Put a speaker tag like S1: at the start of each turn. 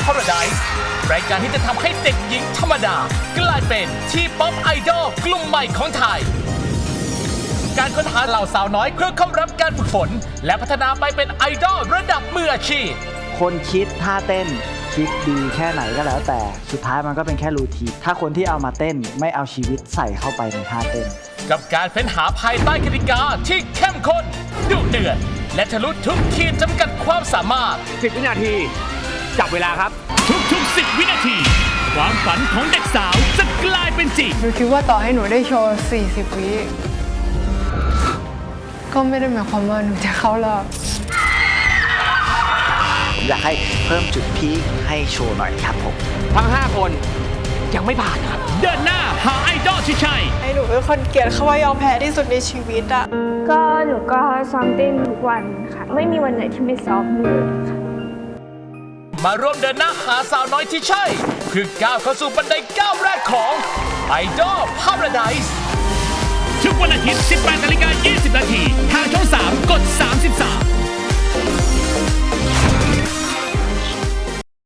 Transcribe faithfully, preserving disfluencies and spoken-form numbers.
S1: Paradise รายการที่จะทำให้เด็กหญิงธรรมดากลายเป็นที่ป๊อปไอดอลกลุ่มใหม่ของไทยการค้นหาเหล่าสาวน้อยเพื่อเข้ารับการฝึกฝนและพัฒนาไปเป็นไอดอลระดับมืออาชีพ
S2: คนคิดท่าเต้นคิดดีแค่ไหนก็แล้วแต่สุดท้ายมันก็เป็นแค่รูทีนถ้าคนที่เอามาเต้นไม่เอาชีวิตใส่เข้าไปในท่าเต้น
S1: กับการเฟ้นหาภายใต้กติกาที่เข้มข้นดุเดือดและทะลุทุกขีดจำกัดความสามารถ
S3: สิบวินาทีจับเวลาครับ
S1: ทุกๆสิบวินาทีความฝันของเด็กสาวจะกลายเป็นจริง
S4: หนูคิดว่าต่อให้หนูได้โชว์สี่สิบวิก็ไม่ได้หมายความว่าหนูจะเข้ารอบ
S2: ผมอยากให้เพิ่มจุดพีคให้โชว์หน่อยครับผม
S3: ทั้งห้าคนยังไม่ผ่านครับ
S1: เดินหน้าหาไอดอลที่ใช่
S4: ไอ้หนูเป็นคนเกลียดคำว่ายอมแพ้ที่สุดในชีวิตอะ
S5: ก็หนูก็ซ้อมเต้นทุกวันค่ะไม่มีวันไหนที่ไม่ซ้อมเลยค่ะ
S1: มาร่วมเดินหน้าหาสาวน้อยที่ใช่คือก้าวเข้าสู่บันไดก้าวแรกของไอดอล Paradise ทุกวันอาทิตย์ สิบแปดนาฬิกายี่สิบนาทีทางช่องสามกดสามสิบสาม